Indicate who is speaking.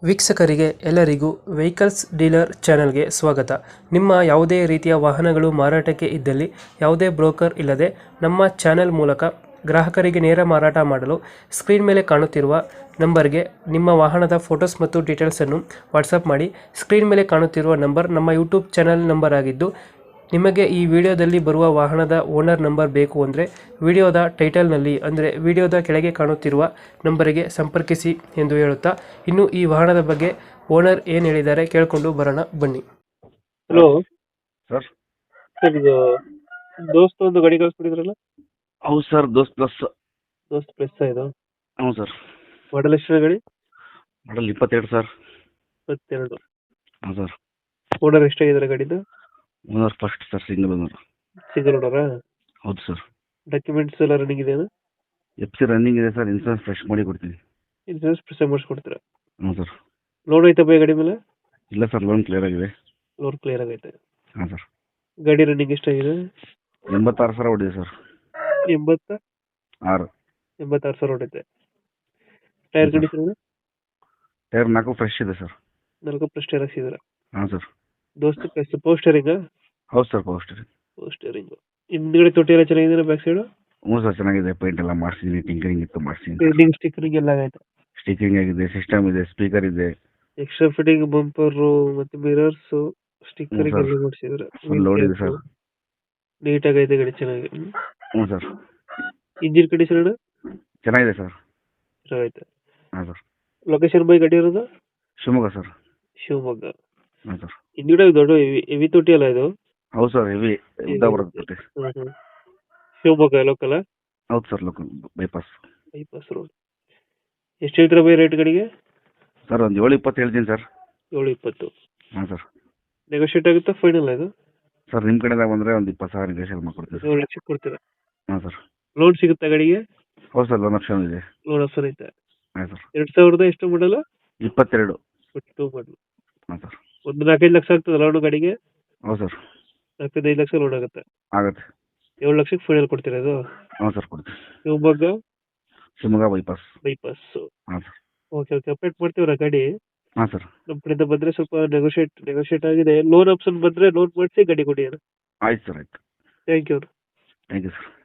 Speaker 1: ವೀಕ್ಷಕರಿಗೆ ಎಲ್ಲರಿಗೂ vehicles dealer ಚಾನೆಲ್ಗೆ ಸ್ವಾಗತ. ನಿಮ್ಮ ಯಾವುದೇ ರೀತಿಯ ವಾಹನಗಳು ಮಾರಾಟಕ್ಕೆ ಇದ್ದಲ್ಲಿ ಯಾವುದೇ ಬ್ರೋಕರ್ ಇಲ್ಲದೆ ನಮ್ಮ ಚಾನೆಲ್ ಮೂಲಕ ಗ್ರಾಹಕರಿಗೆ ನೇರ ಮಾರಾಟ ಮಾಡಲು ಸ್ಕ್ರೀನ್ ಮೇಲೆ ಕಾಣುತ್ತಿರುವ ನಂಬರ್ಗೆ ನಿಮ್ಮ ವಾಹನದ ಫೋಟೋಸ್ ಮತ್ತು ಡೀಟೇಲ್ಸನ್ನು ವಾಟ್ಸಪ್ ಮಾಡಿ. ಸ್ಕ್ರೀನ್ ಮೇಲೆ ಕಾಣುತ್ತಿರುವ ನಂಬರ್ ನಮ್ಮ ಯೂಟ್ಯೂಬ್ ಚಾನೆಲ್ ನಂಬರ್ ಆಗಿದ್ದು, ನಿಮಗೆ ಈ ವಿಡಿಯೋದಲ್ಲಿ ಬರುವ ವಾಹನದ ಓನರ್ ನಂಬರ್ ಬೇಕು ಅಂದರೆ ವಿಡಿಯೋದ ಟೈಟಲ್ನಲ್ಲಿ ಅಂದರೆ ವಿಡಿಯೋದ ಕೆಳಗೆ ಕಾಣುತ್ತಿರುವ ನಂಬರಿಗೆ ಸಂಪರ್ಕಿಸಿ ಎಂದು ಹೇಳುತ್ತಾ, ಇನ್ನು ಈ ವಾಹನದ ಬಗ್ಗೆ ಓನರ್ ಏನು ಹೇಳಿದ್ದಾರೆ ಕೇಳಿಕೊಂಡು ಬರೋಣ ಬನ್ನಿ. Hello
Speaker 2: sir.
Speaker 1: ಸರ್, ಇದು ದೋಸ್ತ ಒಂದು ಗಾಡಿ ಕಳಿಸ್ಬಿಟ್ಟಿದ್ರಲ್ಲ?
Speaker 2: ಹೌದು ಸರ್, ದೋಸ್ತ್ ಪ್ಲಸ್.
Speaker 1: ದೋಸ್ತ್ ಪ್ಲಸ್ ಇದು
Speaker 2: ಹ್ಞೂ ಸರ್.
Speaker 1: ಮಾಡಲ್ ಎಷ್ಟು ಗಾಡಿ?
Speaker 2: Model 22 sir.
Speaker 1: 22.
Speaker 2: ಹಾಂ ಸರ್.
Speaker 1: ಓನರ್ ಎಷ್ಟಾಗಿದ್ದಾರೆ ಗಾಡಿದು?
Speaker 2: Owner first sir, single owner.
Speaker 1: Single ಓನರಾ?
Speaker 2: ಹೌದು ಸರ್.
Speaker 1: ಡಾಕ್ಯುಮೆಂಟ್ಸ್ ಎಲ್ಲ ರನ್ನಿಂಗ್ ಇದೆಯಾ?
Speaker 2: FC ರನ್ನಿಂಗ್ ಇದೆ ಸರ್. ಇನ್ಸೂರೆನ್ಸ್ ಫ್ರೆಶ್ ಮಾಡಿ ಕೊಡ್ತೀನಿ.
Speaker 1: ಇನ್ಸೂರೆನ್ಸ್ ಪ್ರೆಸ್ ಮಾಡಿಸ್ಕೊಡ್ತೀರಾ?
Speaker 2: ಹ್ಞೂ ಸರ್.
Speaker 1: ಲೋನ್ ಐತೆ ಬೈ ಗಾಡಿ ಮೇಲೆ?
Speaker 2: ಇಲ್ಲ ಸರ್, ಲೋನ್ ಕ್ಲಿಯರ್ ಆಗಿದೆ.
Speaker 1: ಲೋನ್ ಕ್ಲಿಯರ್ ಆಗೈತೆ.
Speaker 2: ಹಾಂ ಸರ್.
Speaker 1: ಗಾಡಿ ರನ್ನಿಂಗ್ ಎಷ್ಟಾಗಿದೆ?
Speaker 2: 86 ಸಾವಿರ ಹೊಡಿದೆ ಸರ್.
Speaker 1: 86 ಸಾವಿರ ಹೊಡೈತೆ. Tyre condition?
Speaker 2: ಟೈರ್ 4 ಫ್ರೆಶ್ ಇದೆ ಸರ್.
Speaker 1: 4 ಪ್ಲಸ್ ಟೈರ್ ಹಾಕ್ಸಿದ್ದೀರಾ?
Speaker 2: ಹಾಂ sir.
Speaker 1: Dost plus power steering?
Speaker 2: ಹೌದು sir, power steering.
Speaker 1: Power steering. ಹಿಂದ್ಗಡೆ ತೊಟ್ಟಿ ಎಲ್ಲ ಚೆನ್ನಾಗಿದೆ ಬ್ಯಾಕ್ ಸೈಡ್?
Speaker 2: ಹ್ಞೂ ಸರ್, ಚೆನ್ನಾಗಿದೆ. ಪೇಂಟ್ ಎಲ್ಲ ಮಾಡಿಸಿದ್ದೀನಿ, ಟಿಂಕರಿಂಗ್ ಇತ್ತು ಮಾಡಿಸಿದ್ದೀನಿ.
Speaker 1: ಪೇಂಟಿಂಗ್ ಸ್ಟಿಕ್ಕರಿಂಗ್ ಎಲ್ಲ ಆಗೈತೆ?
Speaker 2: ಸ್ಟಿಚಿಂಗ್ ಆಗಿದೆ, ಸಿಸ್ಟಮ್ ಇದೆ, ಸ್ಪೀಕರ್ ಇದೆ.
Speaker 1: ಎಕ್ಸ್ಟ್ರಾ ಫಿಟ್ಟಿಂಗ್ ಬಂಪರ್ ಮತ್ತೆ ಮಿರರ್ಸ್ ಸ್ಟಿಕ್ಕರಿಂಗ್ ಎಲ್ಲ ಮಾಡಿಸಿದ್ರೆ
Speaker 2: ಫುಲ್ ಲೋಡ್ ಇದೆ ಸರ್.
Speaker 1: ನೀಟ್ ಆಗೈತೆ ಗಾಡಿ, ಚೆನ್ನಾಗಿ.
Speaker 2: ಹ್ಞೂ ಸರ್.
Speaker 1: ಇಂಜಿನ್ ಕಂಡೀಷನ್
Speaker 2: ಚೆನ್ನಾಗಿದೆ ಸರ್.
Speaker 1: ಚೆನ್ನಾಗೈತೆ.
Speaker 2: ಹಾಂ ಸರ್.
Speaker 1: ಲೊಕೇಶನ್ ಬೈ ಗಾಡಿ ಇರೋದು?
Speaker 2: ಶಿವಮೊಗ್ಗ ಸರ್.
Speaker 1: ಶಿವಮೊಗ್ಗ.
Speaker 2: ಹಾಂ ಸರ್.
Speaker 1: ಹಿಂದ್ಗಡೆ ದೊಡ್ಡ ಹೆವಿ ತೊಟ್ಟಿ ಅಲ್ಲ ಇದು?
Speaker 2: ಹೌದು ಸರ್, ಹೆವಿ ಉದ್ದ ಬರುತ್ತೆ.
Speaker 1: ಶಿವಮೊಗ್ಗ ಲೋಕಲ್?
Speaker 2: ಹೌದು ಸರ್, ಲೋಕಲ್ ಬೈಪಾಸ್
Speaker 1: ರೋಡ್. ಎಷ್ಟು ಹೇಳ್ತೀರಾ ಬೈ ರೇಟ್ ಗಾಡಿಗೆ?
Speaker 2: ಸರ್, ಒಂದು 720 ಹೇಳ್ತೀನಿ ಸರ್.
Speaker 1: 720.
Speaker 2: ಹಾಂ ಸರ್.
Speaker 1: ನೆಗೋಷಿಯೇಟ್ ಆಗುತ್ತಾ ಫೈನಲ್ ಇದು?
Speaker 2: ಸರ್, ನಿಮ್ಮ ಕಡೆದಾಗ ಬಂದರೆ ಒಂದು 20,000 ನೆಗೋಷಿಯೇಟ್ ಮಾಡ್ಕೊಡ್ತೀವಿ ಸರ್.
Speaker 1: 7 ಲಕ್ಷ ಕೊಡ್ತೀರಾ?
Speaker 2: ಹಾಂ ಸರ್.
Speaker 1: ಲೋನ್ ಸಿಗುತ್ತಾ ಗಾಡಿಗೆ?
Speaker 2: ಹೌದು ಸರ್, ಲೋನ್ ಆಪ್ಷನ್ ಇದೆ.
Speaker 1: ಲೋನ್ ಆಪ್ಷನ್ ಐತೆ.
Speaker 2: ಹಾಂ ಸರ್.
Speaker 1: 2000 ಎಷ್ಟು ಮಾಡಲ್ಲ?
Speaker 2: 22.
Speaker 1: 22 ಮಾಡಲು.
Speaker 2: ಹಾಂ ಸರ್.
Speaker 1: ಒಂದು 4-5 ಲಕ್ಷ ಆಗ್ತದೆ ಲೋನ್ ಗಾಡಿಗೆ?
Speaker 2: ಹೌದು ಸರ್.
Speaker 1: 4-5 ಲಕ್ಷ ಲೋನ್ ಆಗುತ್ತೆ.
Speaker 2: ಆಗುತ್ತೆ.
Speaker 1: 7 ಲಕ್ಷಕ್ಕೆ ಫೈನಲ್ ಕೊಡ್ತೀರಾ ಇದು?
Speaker 2: ಹಾಂ ಸರ್, ಕೊಡ್ತೀವಿ.
Speaker 1: ಶಿವಮೊಗ್ಗ
Speaker 2: ಬೈಪಾಸ್. ಹಾಂ ಸರ್.
Speaker 1: ಓಕೆ ಅಪ್ಡೇಟ್ ಮಾಡ್ತೀವ್ರಾ ಗಾಡಿ?
Speaker 2: ಹಾಂ ಸರ್.
Speaker 1: ನಮ್ಮ ಕಡೆಯಿಂದ ಬಂದರೆ ಸ್ವಲ್ಪ ನೆಗೋಷಿಯೇಟ್ ಆಗಿದೆ. ಲೋನ್ ಆಪ್ಷನ್ ಬಂದರೆ ಲೋನ್ ಮಾಡಿಸಿ ಗಾಡಿ ಕೊಡಿ.
Speaker 2: ಆಯ್ತು ಸರ್, ಆಯ್ತು.
Speaker 1: Thank you.
Speaker 2: Thank you sir.